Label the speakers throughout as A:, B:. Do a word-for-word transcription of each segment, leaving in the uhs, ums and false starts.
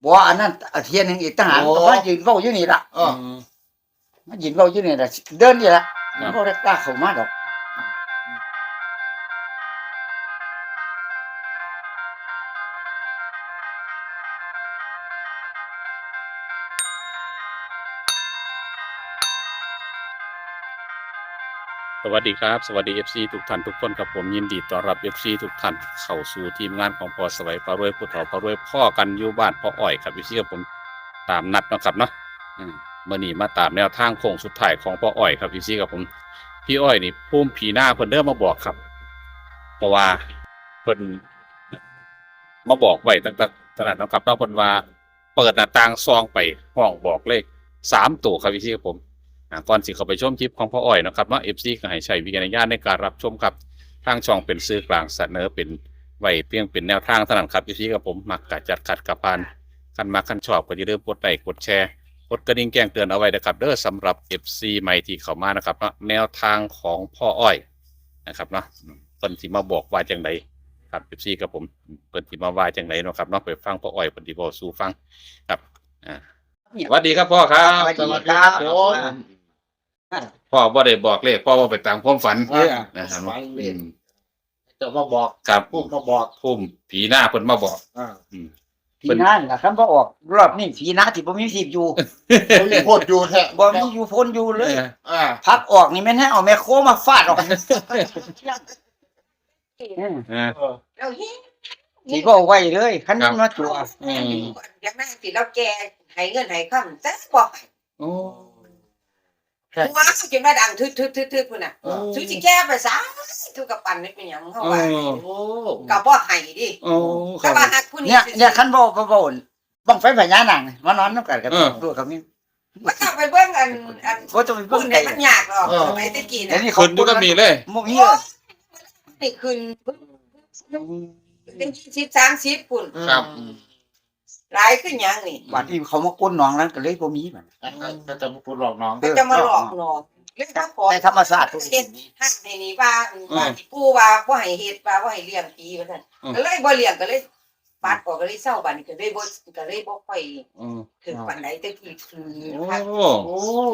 A: บ่อันนั้นเทียนหนึงอีกทหารก็มายืนเว้าอยู่นี่ล่ะ
B: เออ
A: มายืนเว้าอยู่นี่ล่ะเดินนี่ล่ะบ่ได้กล้าเข้ามาดอก
C: สวัสดีครับสวัสดี เอฟ ซี ทุกท่านทุกคนครับผมยินดีต้อนรับ เอฟ ซี ทุกท่านเข้าสู่ทีมงานของพอสวัยพารวยผู้เฒ่าพารวยพ่อกันอยู่บ้านพ่ออ้อยครับ เอฟ ซี กับผมตามนัดนะครับเนาะอืมมื้อนี้มาตามแนวทางโค้งสุดท้ายของพ่ออ้อยครับ เอฟ ซี กับผมพี่อ้อยนี่ภูมิผีหน้าเพิ่นเด้อมาบอกครับเพราะว่าเพิ่นมาบอกไว้ตั้งแต่ขนาดนั้นครับเนาะเพิ่นว่าเปิดหน้าต่างซองไปห้องบอกเลขสามตัวครับ เอฟ ซี กับผมก่อนสิเข้าไปชมคลิปของพ่ออ้อยนะครับว่า เอฟ ซี ก็ให้ใช้วิจารณญาณในการรับชมครับทางช่องเป็นสื่อกลางเสนอเป็นไว้เพียงเป็นแนวทางเท่านั้นครับ เอฟ ซี กับผมมักกะจัดขัดกับพานคันมาคันชอบก็อย่าลืมกดไลค์กดแชร์กดกระดิ่งแจ้งเตือนเอาไว้นะครับเด้อสำหรับ เอฟ ซี ใหม่ที่เข้ามานะครับแนวทางของพ่ออ้อยนะครับเนาะเพิ่นสิมาบอกว่าจังไดครับ เอฟ ซี กับผมเพิ่นสิมาว่าจังไดเนาะครับเนาะไปฟังพ่ออ้อยเพิ่นสิเว้าสู่ฟังครับอ่าสวัสดีครับพ่อครับ
A: สวัสดีครับ
C: พ่อบ่ได้บอกเลขพ่อว่าไปตามความฝัน
B: เออ
C: นะครับ
B: ฝันเล่นจะมาบอก
C: ครับ
B: พูดมาบอก
C: พุ่มผีหน้าเพิ่นมาบอก
B: อ่า
C: อืม
A: ผีหน้าล่ะคันบ่ออกรอบนี้ผีหน้าที่บ่มีสิบอยู่
B: เขาเลยโคตรอยู่แท้
A: บ่มีอยู่พ้นอยู่เลย
B: อ่า
A: พักออกนี่แม่นให้เอาแม่โคมาฟาดออก
C: เออ
B: เออ
D: เราเฮ้ย
A: สิบ่เอาไว้เลยคันมันมาตัว
C: อืม
D: อย่างนั้นสิเราแกให้เงินให้คำแต่บอกให้
C: โอ้
D: ว้าวจนมาดังทึดทึดทึดทึดพุ่นน่ะ
B: เออ
D: สุจิแก้ไปซะทุกกับปันนี่เป็นหยังเฮาว่า
B: โอ้
D: ก็บ่ให้ดิ
C: โอ้ค
D: แต่
C: รับ
D: ว่าหักผู้นี้
A: เนี่ยเนี่ยคันบ่บ่บ่บังไฟพญานาคนี่มานอนนำกันกับ
C: เออ
A: ตัวกับนี่
D: มันต้องไปเบิ่งอันอัน
A: บ่ต้องไป
D: พุ่
A: เบิ่
D: น
A: ง
D: ได้
A: ไกล
D: มันยากหรอกสมัยตะกี้
A: แต่
D: น่ะ
A: นี่
C: คนดูก็มีเลย
A: บ่มีเลย
D: นี่ขึ้นเป็นยี่สิบ สามสิบพุ่น
C: ครับ
D: หลายขึ้นหยังนี่
A: บัดนี้เขามาก้นหนองนั้นก็เลยบ่มีบัด
B: ก็จะมาพูดหลอกน้อง
D: ก็จะมาหลอกหลอกเรื่องถ้าขอ
A: ในธรรมศาสตร์
D: เฮ็ดห้างในนี้ว่าว่าที่ปู่ว่าบ่ให้เฮ็ดว่าบ่ให้เลี้ยงผีว่าซั่นก็เลยบ่เลี้ยงก็เลยปัดออกก็เลยเศร้าบัดนี้ก็เลยบ่ก็เลยบ่ค่อย
C: อืม
D: ถึงปานใดแต่กี้คือ
C: โอ้
D: คัก
B: โอ้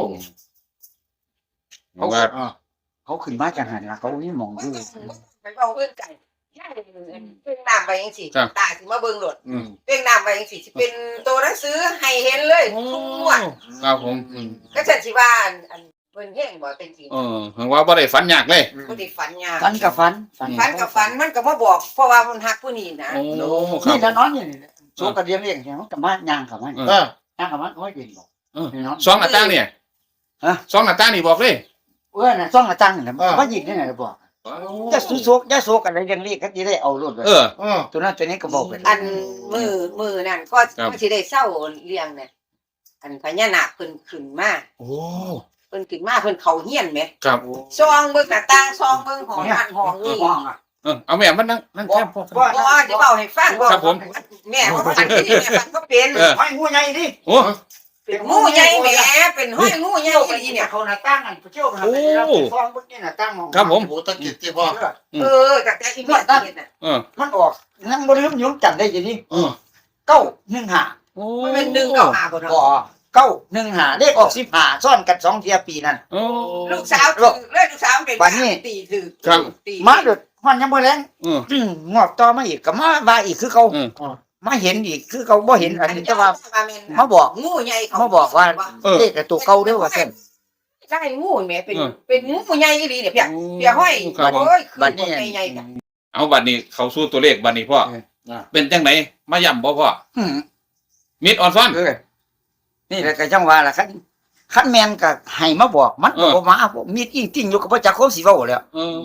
C: เพราะว่า
B: อ่า
A: เขาขึ้นมาจังหันล่ะเขามีหมองอยู่
D: ไปเว้าเพิ่นกันย่าเพิ่งน้ำไปจังซี่ตาสิมาเบิ่งโลด
C: อืม
D: เพิ่งน้ำไปจังซี่สิเป็นตัวหนังสือให้เห็นเลยทุกงวด
C: ครับผมอืม
D: ก็ฉันสิว่าอันอันเพิ่นแย่งบ่เป็นจริง
C: เออเห็นว่าบ่ได้ฝันยากเลย
D: บ่ได้ฝันยาก
A: ฟันกับฟันฟัน
D: ฝันกับฝันมันก็มาบอกเพราะว่ามันฮักผู้นี้นะ
C: โอ้ครั
A: นี่
C: บ
A: ถ้านอนอยู่นี่โซกระเดียงเลี้ยงแค่มันก็มาย่างเข้ามา
C: เอ
B: เออ
A: ย่างเข้ามาโอ้ยเป็นบ่
C: เออ
A: นี่เนาะ
C: สองหน้าต่างเนี่ย
A: ฮะ
C: สองหน้าต่างนี่บอกเลย
A: เอ้อน่ะซ่องกระจังนี่มายิงได้ไงบ่จะสุโซกจะโซกอะไรเลี้ยงเลี้ยงก็สิได้เอารถเลย
C: เออ
B: เออ
A: ตัวนั้นตัวนี้ก็บอกไป
D: อันมือมือนั่นก็
C: ครับ
D: ก็สิได้เศร้าเลี้ยงเนี่ยอันพญานาคเพิ่นขึ้นมา
C: โอ้
D: เพิ่นขึ้นมาเพิ่นเข้าเฮียนแหม
C: ครับ
D: ซองเบิ่งหน้าต่างซองเบิ่งห้องนั่นห้องนี้
A: ห้องอ่ะ
C: เออเอาแม่มันนั่งนั่งแคบพ่อ
A: บ่
D: บ่สิเว้าให้ฟัง
C: ครับผม
D: แม่ว่าฝันที่แม่ฝันก็เป็น
C: เออ
A: ห้อยงูใหญ่ดิ
C: โอ้
D: เป็นงูใหญ่แหมเป็นห้อยงูใหญ่
A: เที่ยวไป
D: อี
A: ที่
D: เนี่
A: เนี่ย ยเขาหน้าต่างกันเที่ยวไปหา
C: โอ้
A: ไปรับฟองเบิ่งนี่หน้าต่างมอง
C: ครับผม
B: โหตะกิดที่พ่อ
D: เออจากแต่อีแม่เฮ็ดน่ะ
C: เออ
A: มันออกนั่งบ่ลืมยมจำได้อยู่นี่
C: เออ
A: เก้าหนึ่งห้า
C: โอ้
D: มันเป็นดึงเข้าหาบ่
A: บ่
D: เนาะ
A: เก้าหนึ่งห้าเลขออกสิบห้าซ้อนกันสองเที่ยปีนั่น
C: โอ้
D: ลูกสาวถือเลยลูกสาวเป็น
A: บัดนี้
D: ตีถือ
C: ครับ
D: ตี
A: มาเด้อฮอนยังบ่แรง
C: เออ
A: อืมงอกต่อมาอีกก็มาว่าอีกคือเขา
C: เออ
A: มาเห็นอีกคือเขาบ่เห็นอันนี้แต่ว่า
D: อันนี้
A: มาบอก
D: งูใหญ่เขา
A: มาบอกว่า
C: เออ
A: เลขตัวเก่าเด้อว่าซั่น
D: ใช่งูแม่เป็น
C: เออ
D: เป็นงูใหญ่อีหลีเนี่ยเพียเพียห้อย
C: ครับผม
D: โอ้ยคือ
A: บัดนี้
D: ใหญ่ๆกัน
C: เอาบัดนี้เขาสู้ตัวเลขบัดนี้พ่อ
A: เออ
C: เป็นจังไหนมาย่ำบ่พ่อ
A: อืม
C: มิดออนซ้อน
A: เออนี่แหละก็จังว่าล่ะคันคันแม่นก็ให้มาบอกมันก็บ่มาบ่มีจริงๆอยู่ก็บ่จักคมสิเว้าแล้ว
C: เออ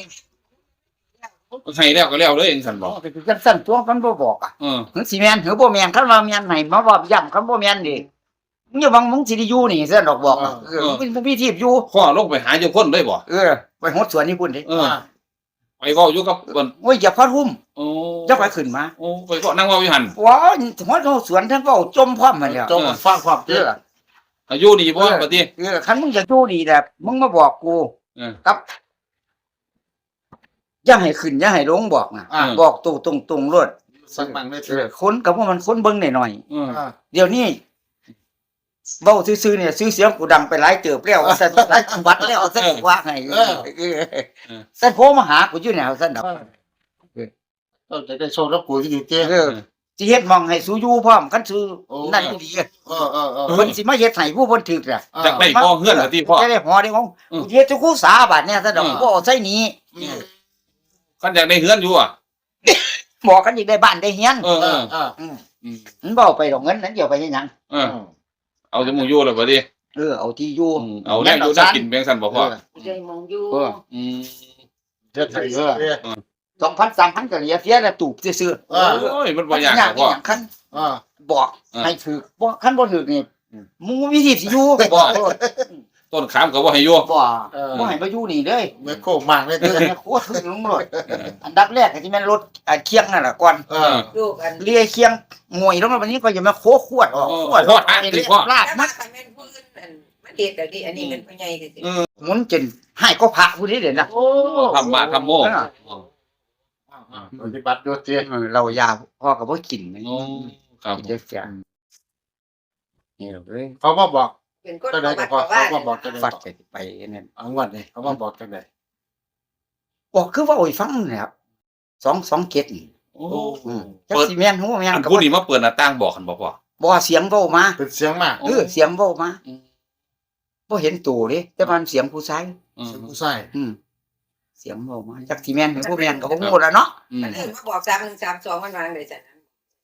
C: ให้แล้วก็แล้วเลยเองสันบอก
A: ก็คือจังซั่นตัวมันบ่บอกอ่ะ
C: เออ
A: ถึงสิแม่นหรือบ่แม่นคันว่าแม่นให้มาบอกย้ำคันบ่แม่นนี่มึงอย่าหวังมึงสิได้อยู่นี่ซั่นดอกบอกอะเออมึงบ่มีที่อยู่
C: พ่อลงไปหาเจ้าคนเลยบ่
A: เออไปหดสวนนี่พุ่นดิ
C: เออไปเว้าอยู่กับเพิ่น
A: โอ้ยอย่าพัดหุ้ม
C: โอ้
A: อย่าไปขึ้นมา
C: โอ้ไปเว้านั่งเว้าอยู่หั่น
A: ว้าหดสวนทั้งเว้าจมพร้อมมันแล้ว
B: จงฟังความ
A: เอ
B: เด้อ
A: อ
C: อายุดีบ่บัดนี้
A: เออคันมึงจะอยู่ดีแบบมึงมาบอกกู
C: เออ
A: ครับอย่าให้ขึ้นอย่าให้ลงบอกนะ
B: อ่า
A: บอกตรงตรงตรงรถ
B: สักมั่งเลย
A: เออคนก็ว่ามันคนเบิ่งหน่อย
C: เออ
B: อ่า
A: ๆเดี๋ยวนี้เว้าซื่อๆเนี่ยซื้อเสียงกูดังไปหลายเติบแล้วว่าซั่นหลายจังหวัดแล้วซั่นว่าให้เออเออซั่นโทรมาหากูอยู่แนวซั่นดอก
B: ต้องจะได้โชว์รับกูที่ดีเจ้
A: เออสิเฮ็ดหมองให้สูอยู่พร้อมคันสูนั่นอีหลี
B: เออเออเออ
A: เพิ่นสิมาเฮ็ดให้ผู้เพิ่นถึกน่ะ
C: จากได้พ่อเฮือนเหรอที่พ่อ
A: จะได้หอได้ของ
C: อืม
A: กูเฮ็ดทุกคู่สาบาดเนี่ยซั่นดอก
C: อืม
A: บ่เอาใส่หนี้
C: คันอยากได้เฮือนอยู่อ่ะ
A: บอกกันอีกได้บ้านได้เฮียน
C: เออ
B: เอ
C: เอ
B: อ
C: อ
B: เออ
A: อืม
C: อืม
A: มันบ่เอาไปดอกเงินนั้นเดี๋ยวไปเฮ็ดหยัง
C: เออเอาจมูกอยู่เลยบ่ดิ
A: เออเอาที่อยู่
C: อืมเอาแน่อยู่ได้กินแบงสันบ่พ่อ
D: ได้มองอยู่
A: เออ
C: อืม
B: เจ็ดไทยเออ
A: สองพัน สามพันก็เหลือเสียแล้วตูบซื่อ
B: เออ
C: โอ้ยมัน
A: ๆ
C: บ่ยากหรอกพ่อ
A: หยังคัน
B: เออ
A: บอก
C: เออ
A: ให้ถูกบ่คันบ่ถูกนี่
B: อืม
A: มึงมีวิธีสิอยู่
C: บ่ ต้นขามก็บ่ให้อยู่
A: บ่
B: เออ
A: บ่ให้มาอยู่นี่เลย
B: เมื่อโค้งมากเลย
A: เอ
B: เจ้
A: อเนี่ยโคตรถึงลงเลยอันดับแรกก็สิแม่นรถอ่าเคียงนั่นล่ะก่อน
B: เออ
D: ลูกอัน
A: เลียเคียงงวยลงมาวันนี้ก็อย่ามาโคขวดออก
C: โอ้
A: ขวด
C: โคตรอ่ะ
A: ไป
C: สิ
A: เรีย
C: พ่อ
A: ลาบ
D: แต่
A: มั
D: ว่าน คันแม่นผู้อื่นอันมันเฮ็ดแต่ดิอันนี้เป็นผู้ใหญ่ซื่อ
C: เออ
A: หมุนจนให้ก็พระผู้นี้เด่นนะ
B: โอ้
C: ทำมาทำโม
B: ปฏิบัติโยเจ้
A: เออเรายาพ่อก็บ่กินนะ
C: โอ้ครับ
A: กินได้แก่นี่เอ้ย
B: เขามาบอก
D: ๆเป็นคน
B: ก็ได้
D: ประ
B: ก็
D: วัติ
B: พอ
D: ประวั
B: เขา
D: ติ
B: มาบอกจะได้
A: ฟัดไปไปนั่น
B: อังวันเลยเขามาบอกจังได
A: บอกคือว่าโอ้ยฟังนะครับสองสองเกตนี่
C: โอ้
A: อืมจักสิแม่นฮู้แม่น
C: อัน
A: ก็
C: ผู้
A: บ่
C: นี้มาเปิดหน้าต่างบอกกันบ่พ่อ
A: บ่เสียงเว้ามา
B: เป็นเสียงมาก
A: เออเสียงเว้ามาบ่เห็นตัวเด้แต่มันเสียงผู้ชาย
C: อืม
B: เสียงผู้ชาย
A: อืมเสียงเว้ามาจักสิแม่นหรือบ่แม่นก็บ่ฮู้แล้วเนาะ
C: อืม
D: มันเอิ้นมาบอกสามหนึ่งสามสองมันวางได้จังนั้น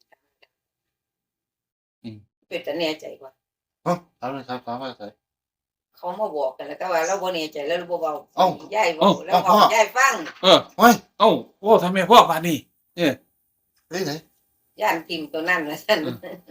C: อืม
D: เป็นแต่แน่ใจกว่า
B: เอ้าถามเลยครับถามว่าไง
D: เขามาบอกกันแล้วก็ว่าเราบ่แน่ใจแล้วเราบ่เว้า
B: เอ้า
D: ย่ายเว้าแล้ว
B: เอ้า
D: บอก
B: พ่อ
D: ย่ายฟัง
C: เออ
B: เฮ้ย
C: เอ้าโอ้ทำไมพ่อปานนี้เออ
B: เฮ้ยไหน
D: ย่านพิมพ์ตัวนั้นว่าซั่น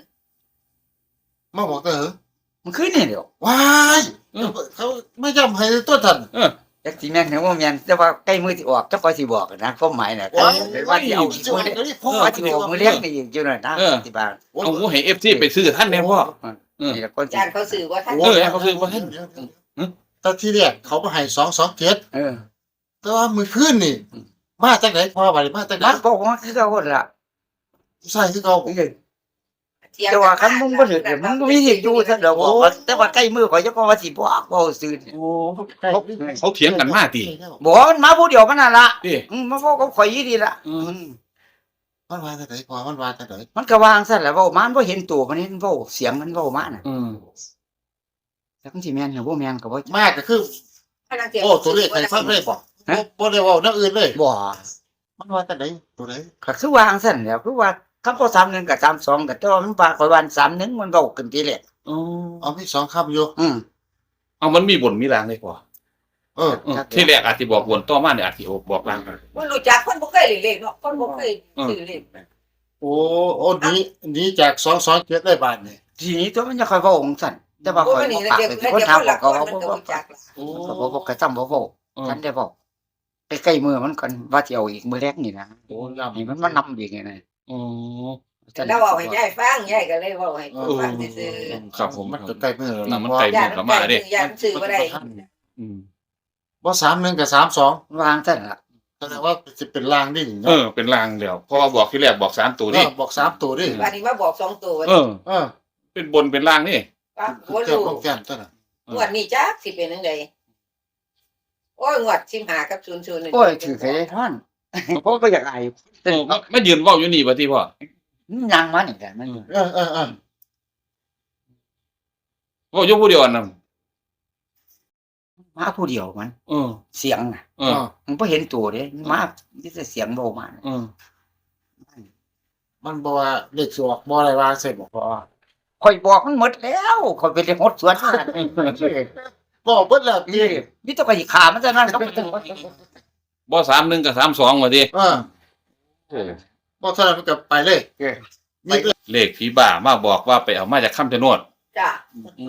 B: มาบอกเตอเหรอ
A: มันคือนี่เดียว
B: ว้ายเขาไม่จำให้ตัวท่าน
C: เออ
A: จักสิแม่นหรือบ่แม่นแต่ว่าใกล้มือสิออกจักก็สิบอกนะความหมายน่ะว่าสิเอาอีกมื้อเดียวว่าสิเอามื้อเลี้ยงนี่อีกอยู่นั่นนะสิบาท
C: เอาหูให้ เอฟ ซี ไปซื้อท่านแน่พ่อ เออ
A: นี่ละคนสิ
D: ย่านเขาสื่อว่าท่าน
C: เออเขาซื้อบ่ทัน
B: ตอนที่แรกเขามาให้สองสองเจ็ด
A: เออ
B: แต่ว่ามือขึ้นนี่ มาจากไหนพ่อไปมาจากไหน
A: มันบอกว่าคือเขาคนละ
B: ผู้ชายคือเขา
A: เออแต่ว่าคันมึงบ่ถึกมึงบ่มีสิอยู่ซะดอกว่าแต่ว่าใกล้มือข่อยจะก็ว่าสิบอกเว้าซื่อ
C: โอ้เขาเขาเถียงกันมาติ
A: บ่มันมาผู้เดียวมันนั่นล่ะ
C: ติ
A: อืมมาเว้ากับข่อยอีดีล่ะ
C: อืม
A: อืม
B: มันมาจากไหนพ่อมันมาจากไหน
A: มันก็วางซั่นแหละเว้ามามันบ่เห็นตัวมันเห็นเว้าเสียงมันเว้ามาน่ะ
C: อืม
A: แต่มันสิแม่นหรือบ่แม่นก็บ่
B: มากก็คือโอ้ตัวเลขใครฟังเลยบอกบ่ได้ว่านักอื่นเลย
A: บ่
B: มันมาจากไหนตัวไหน
A: ก็คือวางซั่นแหล้วคือว่าคำบ่สามหนึ่งกับสามสองก็แต่ว่ามันว่าข่อยว่าสามหนึ่งมันเว้ากันทีแรก
C: โอ้
B: เอาพี่สองคำอยู่
A: อืม
C: เอามันมีบนมีรางเลยพ่อ
B: เออ
C: เออที่แรกอาจสิบอกบนต่อมาเนี่ยอาจสิบอกรางกัน
D: บ่รู้จักคนบ่เคยเล่นเลขเนาะคนบ่เคยซื้อเลข
B: โอ้โอ้นี้นี้จากสองสองเจ็ดได้บาทนี่
A: ทีนี้ตัวมันจะค่อยเว้าของซั่นแต่ว่า
D: บ่
A: ข่อย
D: มัน
A: บ่
D: นี่
A: ปาก
D: เดี๋ยว
A: เป็น
D: เดี๋ยว
A: คนถาม
D: คน
A: บอ
D: ละ
A: ก
D: ค
A: เขา
D: น
A: ว่า
D: มัน
A: บ่
D: ก็
A: บ่
D: รู้จักล่ะ
C: โอ้
A: ก็บ่บ่กระจำบ่เว้าฉันได้บอกใกล้ๆมือมันก่อนว่าสิเอาอีกมื้อแรกนี่นะ
B: โอ้ยำ
A: นี่มันมานำอีกไงนะ
C: โอ้
D: แต่เราเว้าให้ยายฟังยายก็เลยเว้าให้คนฟังซื่อ
C: ครับผม
B: มันก็ใกล้มือแล้ว
C: น่ะมัน
B: ว่า
C: ใกล้
D: ๆย่านมันใกล้ซื้อย่านซื้อบ่ได้
C: อืม
B: ว่าสามหนึ่งกับสามสอง
A: วางซั่นล่ะ
B: แสดงว่าจะเป็นลางดิ
C: เออเป็นรางเดียวเพราะว่าบอกที่แรกบอกสามตัว
B: เอ
C: นี่
B: อบอกสามตัวดิ
D: วันนี้มาบอกสองตัว
C: เออ
B: เออ
C: เป็นบนเป็นรางนี่
D: ว่าบ่
B: เจ้า
D: รู้
B: ต้องแก้มเท่านั้น
D: งวดนี้จักสิเป็นจังไดโอ้ยงวดสิบห้ากับศูนย์ศูนย์นี่
A: โอ้ยถือใครได้ท่อนเพราะก็อยากอาย
C: เออไม่ยืนเว้าอยู่นี่บ่ที่พ่อ
A: มันยังมานี่กันมัน
B: เออเออเออ
C: เว้าอยู่ผู้เดียวนั่น
A: มาผู้เดียวมัน
C: เออ
A: เสียงน่ะ
C: เออ
A: มันบ่เห็นตัวเด้มาที่จะเสียงเบามา
C: เออ
B: มันบอกว่าเลขสวกบอกอะไรวางเสร็จบอก
A: พอข่อยบอกมันหมดแล้วข่อยไปเลยหดสวนมา
B: บอกเบิดแล้ว
A: นี่มีแตัวก็สิขามันจะนั่นก็บ่ต้อง
C: บ่สามหนึ่งกับสามสองว่าติ
B: เออ
C: โอ้
B: บอกเท่านั้นมันก็ไปเลย
A: เออ
B: มีเลย
C: เลขผีบ้ามาบอกว่าไปเอามาจากคำชะโนด
D: จ้ะ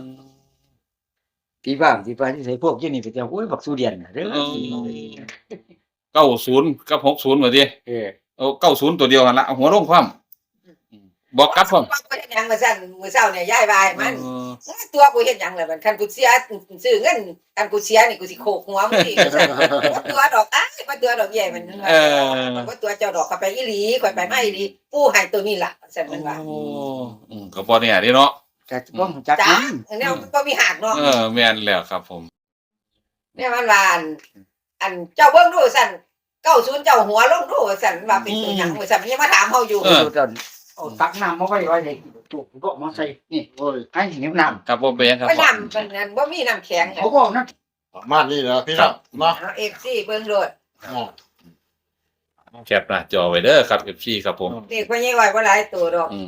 A: พี่บ้านที่บ้านที่ใส่พวกยี่นี่ไปจะโอ้ยบักสุเดียนน่ะเด้อ
C: เก้าศูนย์กับหกศูนย์ว่าติ
A: เออ
C: เอาเก้าศูนย์ตัวเดียวกันละเอาหัวลงความบอกกลับพร้อม
D: ว่าบ่ได้หยังมาซั่นมื้อเช้าเนี่ยยายบายมัน
C: เออ
D: ตัวกูเฮ็ดหยังล่ะมันคันกูเสียซื้อเงินคันกูเสียนี่กูสิโขกหัวมึงอีกว่าตัวดอกอ้ายว่าตัวดอกใหญ่มันว่าตัวเจ้าดอกเข้าไปอีหลีข่อยไปมาอีหลีปู่ให้ตัวนี้ล่ะซั่นมันว่า
C: โอ้อืมก็บ่เนี่ยนี่เนาะ
A: แต่บ่รู้จัก
D: จ้า
A: นั้น
D: แนวบ่มีหักเนาะ
C: เออแม่นแล้วครับผม
D: เนี่ยมันว่าอันอันเจ้าเบิ่งดูซั่นเก้าศูนย์เจ้าหัวลงดูซั่นว่าเป็นตัวหยังว่าซั่นมันยังมาถามเฮาอยู่
C: เออ
A: เดินเอาตักน้ำมาไว้ไว้ให้จุกก็มาใส่นี่
B: โอ้ย
A: ให้หิวน้ำ
C: ครับผมเป็นยังครับ
D: บ่น้ำมันนั่นบ่มีน้ำแข็ง
A: เขาบอกนะ
B: ประมาณนี้นะพี่น้องเนาะ
D: เอา เอฟ ซี เบิ่งโลด
B: อ่า
C: แคปหน้าจอไว้เด้อครับ เอฟ ซี ครับผม
D: เด็กพ่อใหญ่ไว้บ่หลายตัวดอก
C: อืม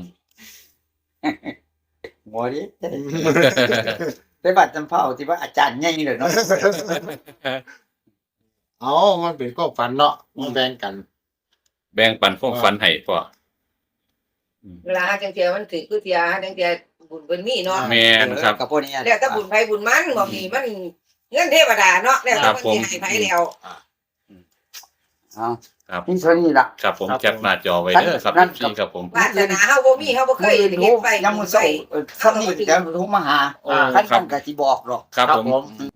A: หมอดิไปบัดจำเผาที่ว่าอาจารย์ใหญ่เลยเนาะ
B: เอามันเป็นก็ฝันเนาะมาแบ่งกัน
C: แบ่งปันความฝันให้พ่อ
D: เวลาหาจังเที่ยมันถือคือเที่ยหาจังเที่ยบุญเพิ่นมีเนาะ
C: แม่นครับ
A: กับพวกนี้
D: แล้วแต่บุญไผบุญมันบ่มีมันเงินเทวดาเนาะแล้วแต่เพิ่นสิให้ไผแล้ว
A: เอา
C: ครับ
A: นี่เท่านี้ล่ะ
C: ครับผมแคปหน้าจอไว้เด้อครับ
A: นั่
C: เอน ฟ
A: ครั
C: ซี
A: บ
C: ครับผม
D: วาสนาเฮาบ่มีเฮาบ่เคย
A: เห็
D: เฮ็
A: น
D: ดไว้
A: ยังมือเศร้าคำนี้จะโทรมาหา
C: โอ้
A: ท่าน
C: ครับ
A: ท่านก็สิบอกหรอก
C: ครับผม
B: ผม